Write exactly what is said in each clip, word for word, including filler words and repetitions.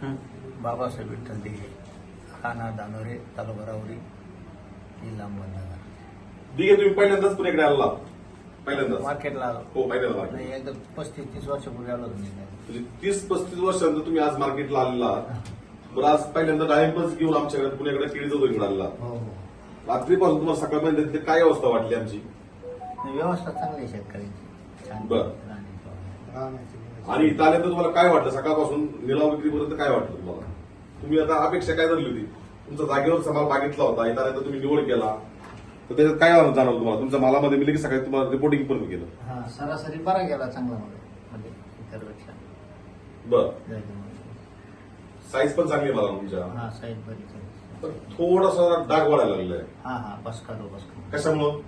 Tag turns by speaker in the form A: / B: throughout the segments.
A: बाबासाहेब विठ्ठल दिघे, राहणार दानोरे, तालुका राहुरी, जिल्हा अहमदनगर.
B: दिघे तुम्ही पहिल्यांदाच पुण्याकडे आला? पहिल्यांदाच
A: मार्केटला आलो.
B: हो, पहिल्यांदा आला.
A: नाही, एकदम पस्तीस तीस वर्षापूर्वी आलो तुम्ही.
B: म्हणजे तीस पस्तीस वर्षांनंतर तुम्ही आज मार्केटला आलेला. बरं, आज पहिल्यांदा डाळिंबच घेऊन आमच्याकडे पुण्याकडे केळीचा इकडे आलेला.
A: हो हो.
B: रात्रीपासून तुम्हाला सकाळपर्यंत काय अवस्था वाटली आमची?
A: व्यवस्था चांगली आहे शेतकऱ्यांची, छान.
B: बरं.
A: राहण्याची.
B: आणि इथं आल्यानंतर तुम्हाला काय वाटलं? सकाळपासून निलाव विक्रीपर्यंत काय वाटलं तुम्हाला? तुम्ही आता अपेक्षा काय धरली होती? तुमचा जागेवर माल मागितला होता, इथं आल्यानंतर तुम्ही निवड केला, तर त्याच्यात काय जाणवलं तुम्हाला? तुमच्या मालामध्ये मी लगेच सकाळी तुम्हाला रिपोर्टिंग पण केलं.
A: हा, सरासरी बरा गेला चांगला मध्ये म्हणजे इतरपेक्षा.
B: बरं, साईज पण चांगली आहे मला तुमच्या.
A: हा, साईज बरीच आहे.
B: पण थोडासा डाग वाढायला लागलेला आहे.
A: हा हा, बसका दो बसका.
B: कशामुळं?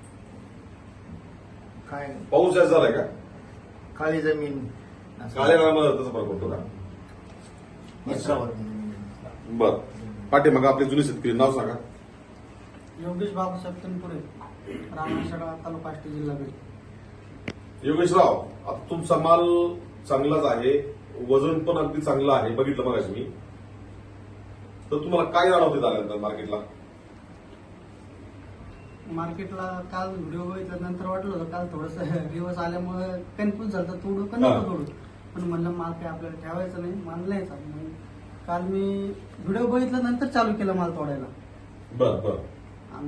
A: काय
B: पाऊस जास्त झालाय का?
A: काळी जमीन असं.
B: काळ्या काळामध्ये तसा फरक पडतो का?
A: मिश्रावर.
B: बर, पाठीमागं आपले जुने शेतकरी नाव सांगा.
C: योगेश बाबासाहेब तनपुरे, रामशेडा, तालुका आष्टी, जिल्हा बीड.
B: योगेशराव, आता तुमचा माल चांगलाच आहे, वजन पण अगदी चांगलं आहे, बघितलं मगाशी मी. तर तुम्हाला काय जाणवते आल्यानंतर मार्केटला?
C: मार्केटला काल व्हिडिओ बघितल्यानंतर वाटलं होतं काल थोडस दिवस आल्यामुळे कन्फ्युज झालं तर तोडू का नको तोडू, पण म्हणलं माल काय आपल्याला ठेवायचं नाही, माल न्यायचा. मग काल मी व्हिडिओ बघितल्यानंतर चालू केलं माल तोडायला.
B: बर बर.
C: आणि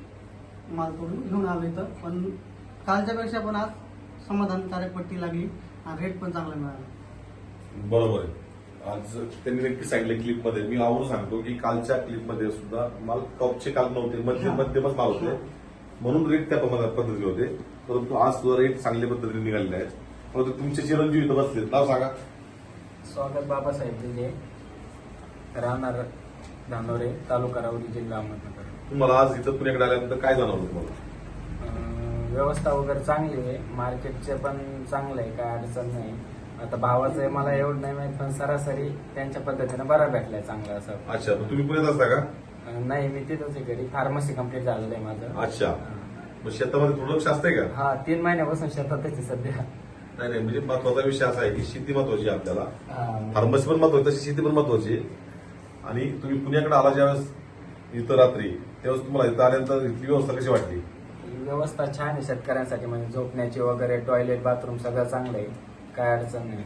C: मग माल तोडून घेऊन आलो इथं. पण कालच्या पेक्षा पण आज समाधानकारक पट्टी लागली आणि रेट पण चांगला मिळाला.
B: बरोबर आहे. आज त्यांनी नक्की सांगितलं क्लिपमध्ये, मी आवडून सांगतो की कालच्या क्लिपमध्ये सुद्धा माल टॉपचे काल नव्हते, मध्यम मध्यमच माल होते, म्हणून रेट त्या पद्धतीने होते. परंतु आज सुद्धा रेट चांगल्या पद्धतीने निघालेले आहेत. परंतु तुमचे चिरंजीव इथं बसले, नाव सांगा.
D: स्वागत बाबासाहेब दिघे, राहणार धानोरे, तालुका राहुरी, जिल्हा अहमदनगर.
B: तुम्हाला आज इथं पुण्याकडे आल्यानंतर काय जाणवलं तुम्हाला?
D: अं, व्यवस्था वगैरे चांगली आहे, मार्केटचे पण चांगलं आहे, काय अडचण नाही. आता भावाचं मला एवढं नाही माहित, पण सरासरी त्यांच्या पद्धतीने बरा भेटलाय चांगला असं.
B: अच्छा, मग तुम्ही पुण्यात असता का?
D: अं, नाही, मी तिथंच आहे घरी. फार्मसी कम्प्लीट झालेलं आहे माझं.
B: अच्छा, मग शेतामध्ये थोडं लक्ष असतंय का?
D: हा, तीन महिन्यापासून शेतातच आहे सध्या.
B: नाही नाही, म्हणजे महत्वाचा विषय असा आहे की शेती महत्वाची आहे आपल्याला,
D: हा.
B: फार्मसी पण महत्वाची, तशी शेती पण महत्वाची आहे. आणि तुम्ही पुण्याकडे आला ज्यावेळेस इथं रात्री, त्यावेळेस तुम्हाला इथं आल्यानंतर इथली व्यवस्था कशी वाटली?
D: व्यवस्था छान आहे शेतकऱ्यांसाठी, म्हणजे झोपण्याची वगैरे, टॉयलेट, बाथरूम सगळं चांगलं आहे, काय अडचण नाही.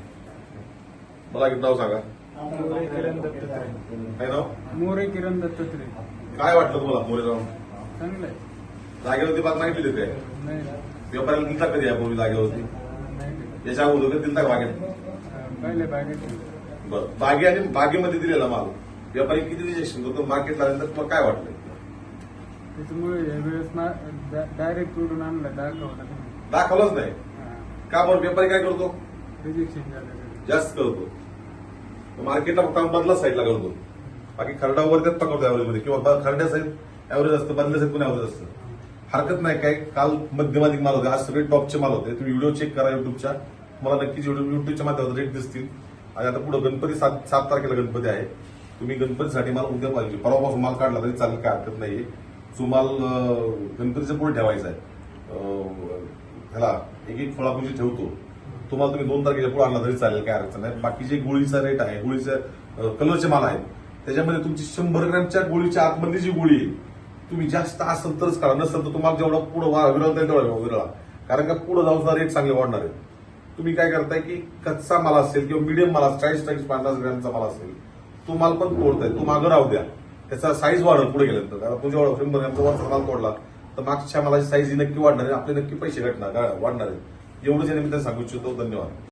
B: मला एक नाव सांगा.
C: मोरे किरण दत्तात्रय.
B: काय नाव?
C: मोरे किरण दत्तात्रय.
B: काय वाटलं तुम्हाला मोरेराव?
C: चांगलं आहे.
B: जागेवरती बात मागितली होती काय?
C: नाही
B: व्यापाऱ्याला दिलता कधी यापूर्वी जागेवरती?
C: नाही
B: याच्या अगोदर कधी दिलता का बागेत?
C: पहिले बागेत.
B: बरं, बागे आणि बागेमध्ये दिलेला माल व्यापारी किती रिजेक्शन करतो? मार्केटला आल्यानंतर तुम्हाला काय वाटलं?
C: त्याच्यामुळे यावेळेस डायरेक्ट तोडून आणलं, दाखवलं
B: दाखवलंच नाही का? बरं, व्यापारी काय करतो?
C: रिजेक्शन झालं.
B: जास्त करतो. मार्केटला फक्त बदला साईडला करतो, बाकी खरडा वगैरे त्यात पकडतो ऍव्हरेजमध्ये, किंवा खरड्या साईड ऍव्हरेज असतं, बदल्या साईड पण ऍव्हरेज असतं. हरकत नाही काय. काल मध्यमाधिक माल होते, आज सगळे टॉपचे माल होते. तुम्ही व्हिडिओ चेक करा युट्यूबच्या, तुम्हाला नक्कीच युट्यूबच्या माध्यमातून रेट दिसतील. आणि आता पुढे गणपती सात सात तारखेला गणपती आहे. तुम्ही गणपतीसाठी माल उद्या पाहिजे, परवापासून माल काढला तरी चालेल, काय हरकत नाहीये. जो माल गणपतीच्या पुढे ठेवायचा आहे, ह्याला एक एक फळापुंजी ठेवतो, तुम्हाला तुम्ही दोन तारखेच्या पुढे आणला तरी चालेल, काय अडचण नाही. बाकीचे गोळीचा रेट आहे, गोळीच्या कलरचे माल आहेत, त्याच्यामध्ये तुमची शंभर ग्रॅमच्या गोळीच्या आतमध्ये जी गोळी आहे, तुम्ही जास्त असेल तरच करा, नसेल तर तुम्हाला जेवढा पुढे विरळता येईल तेवढा विरळा, कारण का पुढे जाऊन रेट चांगले वाढणार आहेत. तुम्ही काय करताय की कच्चा माल असेल किंवा मिडियम माल असेल, चाळीस चाळीस पन्नास ग्रॅमचा माल असेल, तो माल पण तोडताय, तो मागं राहू द्या, त्याचा साईज वाढेल पुढे गेल्यानंतर. कारण तो जेवढा शंभर ग्रॅमचा वरचा माल तोडला तर मागच्या मालाची साईज ही नक्की वाढणार आहे, आपले नक्की पैसे घटणार वाढणार आहेत. एवढंच या निमित्ताने सांगू इच्छितो. धन्यवाद.